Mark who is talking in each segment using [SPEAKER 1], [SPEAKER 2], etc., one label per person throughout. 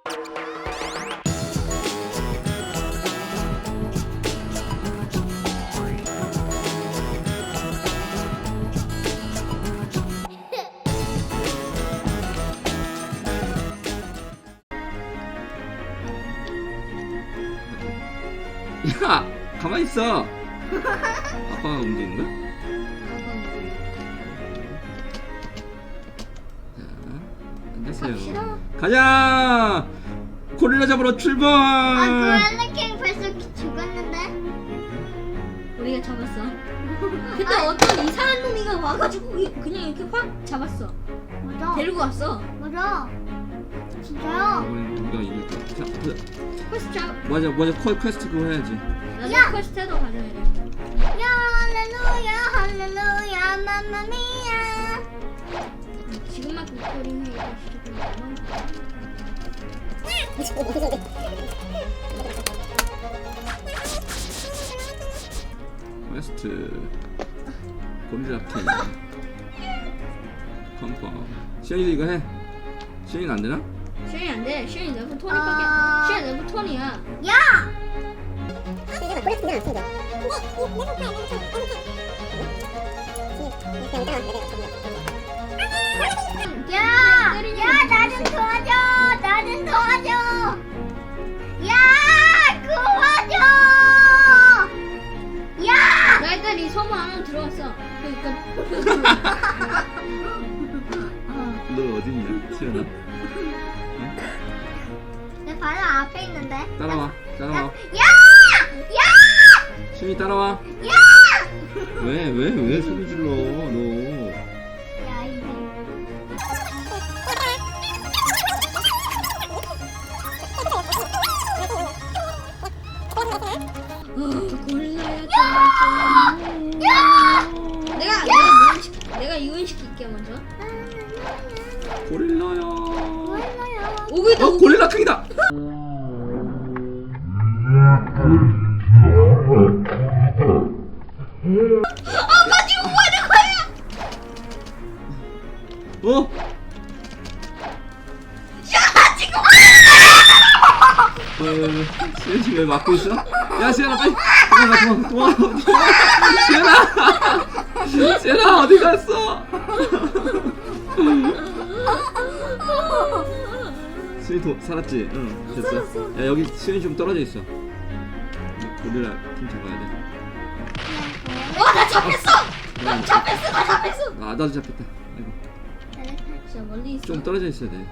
[SPEAKER 1] 야, 가만히 있어. 아빠가 움직이는 거야? 자, 앉으세요. 가자. 고릴라 잡으러 출발.
[SPEAKER 2] 고릴라킹 벌써 죽었는데?
[SPEAKER 3] 우리가 잡았어. 근데 어떤 이상한 놈이가 와가지고 그냥 이렇게 확 잡았어.
[SPEAKER 2] 맞아.
[SPEAKER 3] 데리고 왔어.
[SPEAKER 2] 맞아. 진짜요?
[SPEAKER 1] 우리가 이길 거야. 자, 보자.
[SPEAKER 3] 퀘스트 잡.
[SPEAKER 1] 맞아, 퀘스트 그거 해야지.
[SPEAKER 3] 나도 퀘스트 해도 가져야 돼.
[SPEAKER 2] 야 할렐루야 할렐루야 맘마미야.
[SPEAKER 3] 지금만 그 소리는 이거 진짜
[SPEAKER 1] 퀘스트 고릴라 킹 컨펌. 시현이도 이거 해. 시현이는 안 되나?
[SPEAKER 3] 슈이 안 돼. 슈이 레벨 20밖에. 슈이 레벨 20이야.
[SPEAKER 2] 야! 야! 야! 나 좀 도와줘! 나 좀 도와줘! 야! 도와줘! 야!
[SPEAKER 3] 나 일단 이 섬 안으로 들어왔어. 그러니까
[SPEAKER 1] 너 어딨냐, 시현아?
[SPEAKER 2] 내 바로 앞에 있는데.
[SPEAKER 1] 따라와.
[SPEAKER 2] 야! 야!
[SPEAKER 1] 시현이 따라와.
[SPEAKER 2] 야!
[SPEAKER 1] 왜 소리 질러, 너.
[SPEAKER 2] 야, 이제.
[SPEAKER 3] 고릴라야.
[SPEAKER 2] 야!
[SPEAKER 3] 내가 유인시킬게 먼저.
[SPEAKER 1] 고릴라야.
[SPEAKER 2] 몰라요.
[SPEAKER 3] 오고 있다.
[SPEAKER 1] 고릴라 킹이다.
[SPEAKER 3] 나 지금 뭐 하는 거야?
[SPEAKER 1] 어?
[SPEAKER 3] 야 지금.
[SPEAKER 1] 시현이 왜 막고 있어? 야, 시현아 빨리 도망가. 시현아 어디 갔어? 시현이 살았지? 응, 됐어. 야, 여기 시현이 좀 떨어져 있어. 고릴라 팀 잡아야 돼.
[SPEAKER 3] 나 잡혔어. 나 잡혔어.
[SPEAKER 1] 아, 나도 잡혔다. 아이고.
[SPEAKER 3] 진짜 멀리 있어.
[SPEAKER 1] 좀 떨어져 있어야 돼.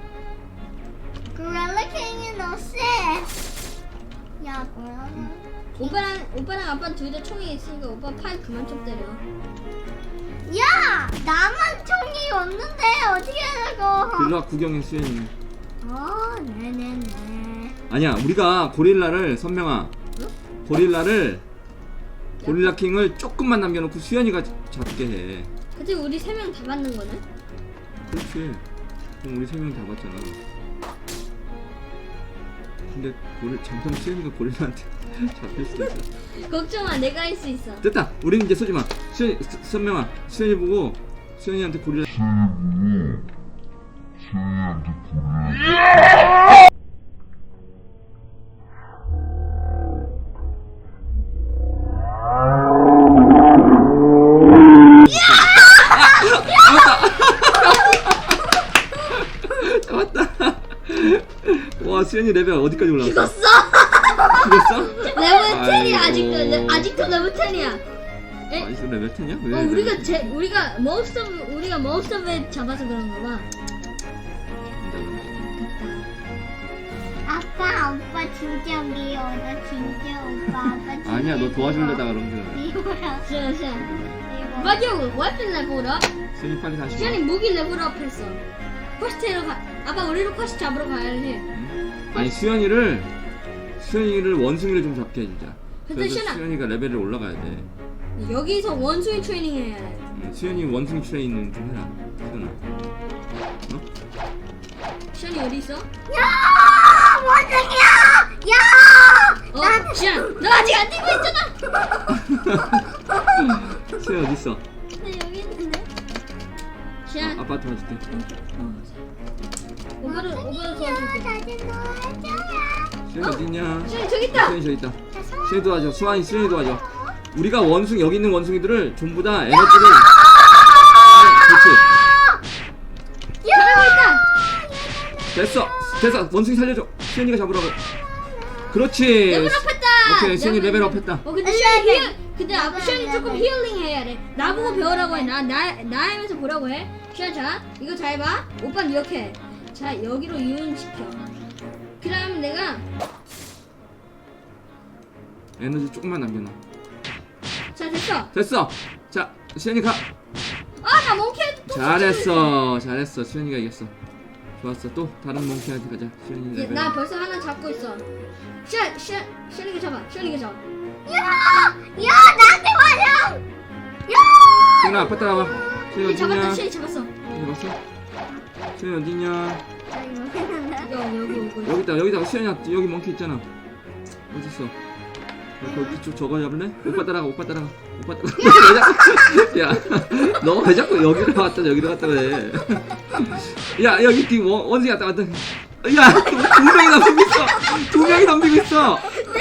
[SPEAKER 2] 고릴라킹이 너 쎄. 야, 고릴라.
[SPEAKER 3] 오빠랑 아빠 둘 다 총이 있으니까 오빠 팔 그만 좀 때려.
[SPEAKER 2] 야! 나만 총이 없는데 어떻게 하라고?
[SPEAKER 1] 일로 와, 구경해, 시현이.
[SPEAKER 2] 네네네.
[SPEAKER 1] 아니야, 우리가 고릴라를, 선명아, 고릴라를, 고릴라 킹을 조금만 남겨놓고 수현이가 잡게 해.
[SPEAKER 3] 그치 우리 3명 다 받는 거네?
[SPEAKER 1] 그렇지. 그럼 우리 3명 다 봤잖아. 근데 잠깐 수현이가 고릴라한테 잡힐 수도 있어.
[SPEAKER 3] 걱정마, 내가 할 수 있어.
[SPEAKER 1] 됐다. 우리는 이제 쏘지 마. 수현이, 선명아, 수현이 보고 수현이한테 고릴라. 잡았다. 와, 수현이 레벨 어디까지 올라왔어?
[SPEAKER 3] 죽었어!
[SPEAKER 1] 죽었어?
[SPEAKER 3] 레벨 10이야.
[SPEAKER 1] 아이고.
[SPEAKER 3] 아직도 레벨 10이야. 에?
[SPEAKER 1] 아직도 레벨 10이야? 왜?
[SPEAKER 3] 우리가 머스터에 잡아서 그런가 봐.
[SPEAKER 2] 아빠, 오빠 진짜 미워. 나 진짜 아빠 진짜
[SPEAKER 1] 아니야, 너 도와주려다가 그런 거야.
[SPEAKER 2] 미워요.
[SPEAKER 3] 시아.
[SPEAKER 2] 미워.
[SPEAKER 3] 맞아, 웨폰 레벨업.
[SPEAKER 1] 수현이 빨리 다시 와.
[SPEAKER 3] 시안이 무기 레벨업 했어. 퀘스트로 가. 아빠 우리로 퀘스트 잡으러 가야 해.
[SPEAKER 1] 응? 아니, 수현이를 원숭이를 좀 잡게 해주자.
[SPEAKER 3] 근데
[SPEAKER 1] 그래서
[SPEAKER 3] 시연아.
[SPEAKER 1] 수현이가 레벨을 올라가야 돼.
[SPEAKER 3] 여기서 원숭이 트레이닝 해야 해.
[SPEAKER 1] 수현이 원숭이 트레이닝 좀 해라. 수현아.
[SPEAKER 3] 시안이 어디 있어?
[SPEAKER 2] 야! 원숭이야! 야!
[SPEAKER 3] 시안, 너 아직 안 뛰고 있잖아.
[SPEAKER 1] 수현 어디 있어?
[SPEAKER 2] 나 여기 있는데.
[SPEAKER 3] 시안.
[SPEAKER 1] 아빠 도와줄게.
[SPEAKER 3] 오빠를 도와줄게.
[SPEAKER 2] 나는 도와줘요.
[SPEAKER 1] 수현이 어딨냐?
[SPEAKER 3] 수현이 저기 있다.
[SPEAKER 1] 수현이 저기 있다. 수현이 도와줘. 수현이 도와줘. 우리가 원숭이 여기 있는 원숭이들을 전부 다 에너지를 그렇지.
[SPEAKER 3] 잘하고 있다.
[SPEAKER 1] 됐어 원숭이 살려줘. 수현이가 잡으라고. 그렇지.
[SPEAKER 3] 레벨업했다.
[SPEAKER 1] 오케이 수현이 레벨업했다.
[SPEAKER 3] 근데 근데 아빠 수현이 조금 힐링 해야 돼. 나보고 배우라고 해. 나 하면서 보라고 해. 수현 자 이거 잘 봐. 오빠는 이렇게 해. 자 여기로 이온시켜. 그다음 내가
[SPEAKER 1] 에너지 조금만 남겨놔.
[SPEAKER 3] 자 됐어.
[SPEAKER 1] 됐어. 자 수현이 가.
[SPEAKER 3] 아 나 몽키한테 또
[SPEAKER 1] 잘했어. 수현이가 이겼어. 좋았어. 또 다른 몽키한테 가자. 수현이 레벨.
[SPEAKER 3] 나 벌써 하나 잡고 있어. 수현이가 잡아. 수현이가 잡아.
[SPEAKER 2] 야, 나한테 와줘.
[SPEAKER 1] 수현아 아빠 따라와. 수현이
[SPEAKER 3] 잡았다.
[SPEAKER 1] 어딨냐?
[SPEAKER 3] 수현이 잡았어.
[SPEAKER 1] 잡았어? 수현이 어딨냐?
[SPEAKER 3] 여기 오고.
[SPEAKER 1] 여기다 수현이야. 여기 몽키 있잖아. 어딨어? 거기 좀 저거 잡을래? 오빠 따라가. 야, 너 왜 자꾸 여기로 갔다 그래? 야, 여기 뒤 원숭이 왔다. 야, 두 명이 덤비고 있어.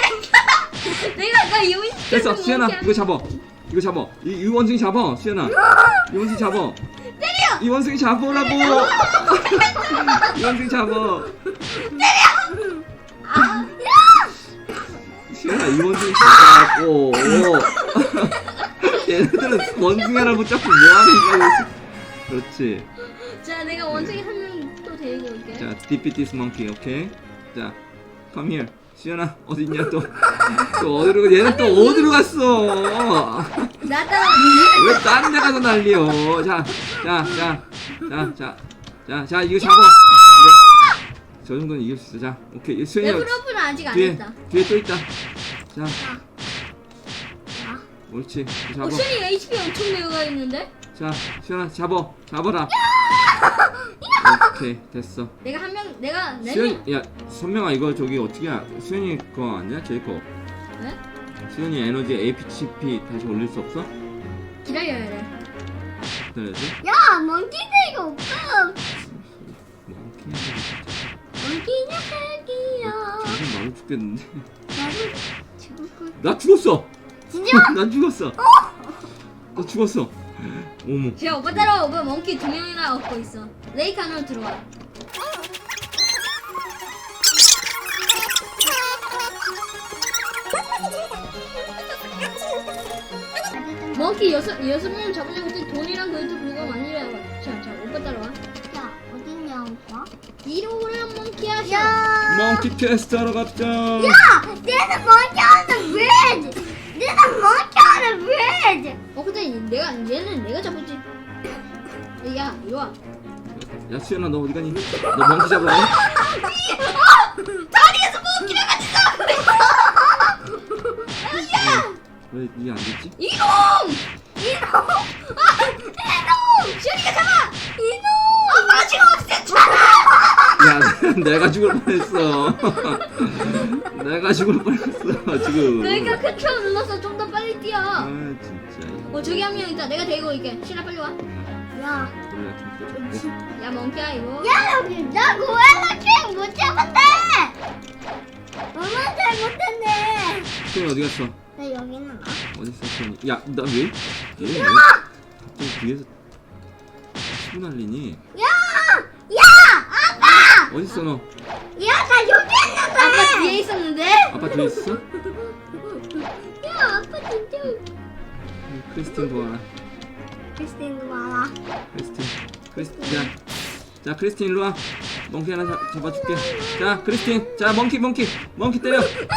[SPEAKER 3] 나 이온
[SPEAKER 1] 됐어, 수현아, 이거 잡아. 이 원숭이 잡아, 수현아. 이 원숭이 잡아. 때려. 이 원숭이 잡으라고. 이 원숭이 잡아. 수현아, 이 원숭이 잡으라고. 얘네들은 원숭이 하나 붙잡고 뭐하는 거야? 그렇지.
[SPEAKER 3] 자 내가 원숭이 한 명 또 데리고 올게.
[SPEAKER 1] 자, defeat this monkey, 오케이? 자, come here. 수연아, 어딨냐 또? 또 어디로 가? 얘는 또 어디로 갔어?
[SPEAKER 3] 나 따라.
[SPEAKER 1] 왜 다른 데 가서 난리여? 자, 이거 잡아. 그래. 저 정도는 이길 수 있어. 자, 오케이. 수연이
[SPEAKER 3] 레벨업은 아직 안
[SPEAKER 1] 뒤에
[SPEAKER 3] 했다.
[SPEAKER 1] 또 있다. 자, 옳지. 잡아.
[SPEAKER 3] 수현이 HP 엄청 내가 있는데?
[SPEAKER 1] 자, 수연아, 잡아라. 오케이, 됐어.
[SPEAKER 3] 내가 한 명 내가
[SPEAKER 1] 수현, 야, 선명아 이거 저기 어떻게 수현이 거 아니야? 제 거.
[SPEAKER 3] 네?
[SPEAKER 1] 수현이 에너지 APCP 다시 올릴 수 없어?
[SPEAKER 3] 기다려야 돼.
[SPEAKER 1] 기다려야지.
[SPEAKER 2] 야, 몽키들이 없어.
[SPEAKER 1] 뭐 이렇게 해야 되겠지.
[SPEAKER 2] 몽키는 새끼야.
[SPEAKER 1] 지금 나도 죽겠는데.
[SPEAKER 2] 나도 죽을 걸.
[SPEAKER 1] 나 죽었어.
[SPEAKER 2] 진짜?
[SPEAKER 1] 난 죽었어. 나 죽었어. 어머.
[SPEAKER 3] 제가 오빠 따라와. 오빠 몽키 2명이나 얻고 있어. 레이크 안으로 들어와. 몽키 여섯 명 잡으려고 했더니 돈이랑 그것도 불구하고 많이 나와. 자 오빠 따라와.
[SPEAKER 2] 야, 어딨냐, 오빠?
[SPEAKER 3] 이리 오라 몽키야.
[SPEAKER 2] 야,
[SPEAKER 1] 몽키 테스트 하러 갑자.
[SPEAKER 2] 얘는 몽키하는 왜? 얘는 몽키하는 왜?
[SPEAKER 3] 근데 얘는 내가 잡았지. 야 이리 와.
[SPEAKER 1] 야 수현아 너 어디 가니? 너 몽키 잡으러 가?
[SPEAKER 3] 다리에서 몽키랑 같이 싸우래.
[SPEAKER 1] 왜 이게 안 됐지?
[SPEAKER 3] 이놈! 시현이가 잡아! 이놈! 나 지금 없앴잖아!
[SPEAKER 1] 야 내가 죽을 뻔했어. 내가 죽을 뻔했어 지금.
[SPEAKER 3] 그러니까 컨트롤 눌러서 좀 더 빨리 뛰어.
[SPEAKER 1] 아 진짜.
[SPEAKER 3] 저기 한 명 있다. 내가 데리고 올게. 시현아 빨리 와.
[SPEAKER 2] 야,
[SPEAKER 3] 야 몽키야 이거.
[SPEAKER 2] 야, 여기 나 고엘라 킹 못 잡았대. 너무 잘못했네.
[SPEAKER 1] 수현이 어디 갔어?
[SPEAKER 2] 나 여기 있는 거.
[SPEAKER 1] 어디 있어 수현이? 야 나 왜? 얘 왜? 갑자기 뒤에서 치고 날리니?
[SPEAKER 2] 야, 아빠.
[SPEAKER 1] 어디 있어 너?
[SPEAKER 2] 야, 나 여기 있는데.
[SPEAKER 3] 아빠 뒤에 있었는데?
[SPEAKER 1] 아빠 뒤에 있어?
[SPEAKER 2] 야, 아빠 진짜.
[SPEAKER 1] 크리스틴 도와라.
[SPEAKER 2] 크리스틴도 와라.
[SPEAKER 1] 크리스틴. 자 크리스틴 일로 와. 몽키 하나 잡아줄게. 자 크리스틴. 자 몽키 때려.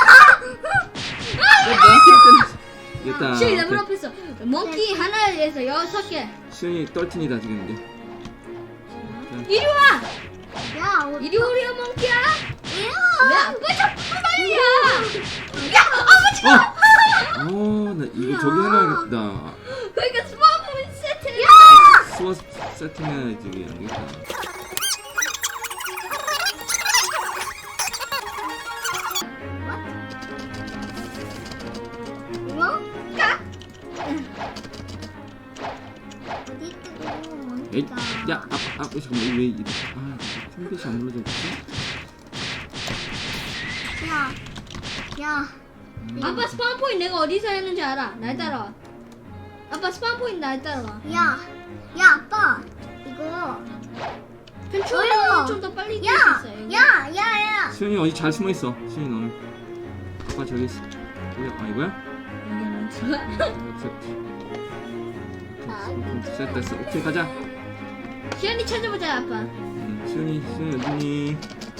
[SPEAKER 1] 몽키를 때려. 이겼다.
[SPEAKER 3] 시현이 레벨업 했어. 몽키 하나에서 6개.
[SPEAKER 1] 수현이 떨친이다 지금 이제.
[SPEAKER 3] 이리 와!
[SPEAKER 2] 야,
[SPEAKER 3] 이리 오려 몽키야!
[SPEAKER 2] 야.
[SPEAKER 3] 왜 아빠 자꾸 빨리야! 야! 아빠 지금!
[SPEAKER 1] 나 이거 저기 해놔야겠다.
[SPEAKER 3] 그러니까 스마트 세트!
[SPEAKER 1] 수어 세팅해야지 이게 안 되겠다.
[SPEAKER 2] 이거? 어디 있고?
[SPEAKER 1] 에이, 야, 잠깐만 왜 이래? 컴퓨터 안 눌러져 있지?
[SPEAKER 2] 야.
[SPEAKER 3] 아빠 스파운 포인트 내가 어디서 했는지 알아. 날 따라와. 아빠 스파운 포인트 날 따라와.
[SPEAKER 2] 야, 아빠. 이거.
[SPEAKER 3] 컨트롤러는 좀 더 빨리 뛸 수 있어요. 여기.
[SPEAKER 2] 야.
[SPEAKER 1] 수현이 어디 잘 숨어 있어. 수현이 너는. 아빠 저기 있어. 뭐야? 아 이거야?
[SPEAKER 3] 여기는 들어와.
[SPEAKER 1] 셋 됐어. 오케이 가자.
[SPEAKER 3] 시연이 찾아보자 아빠.
[SPEAKER 1] 수현이 어디니?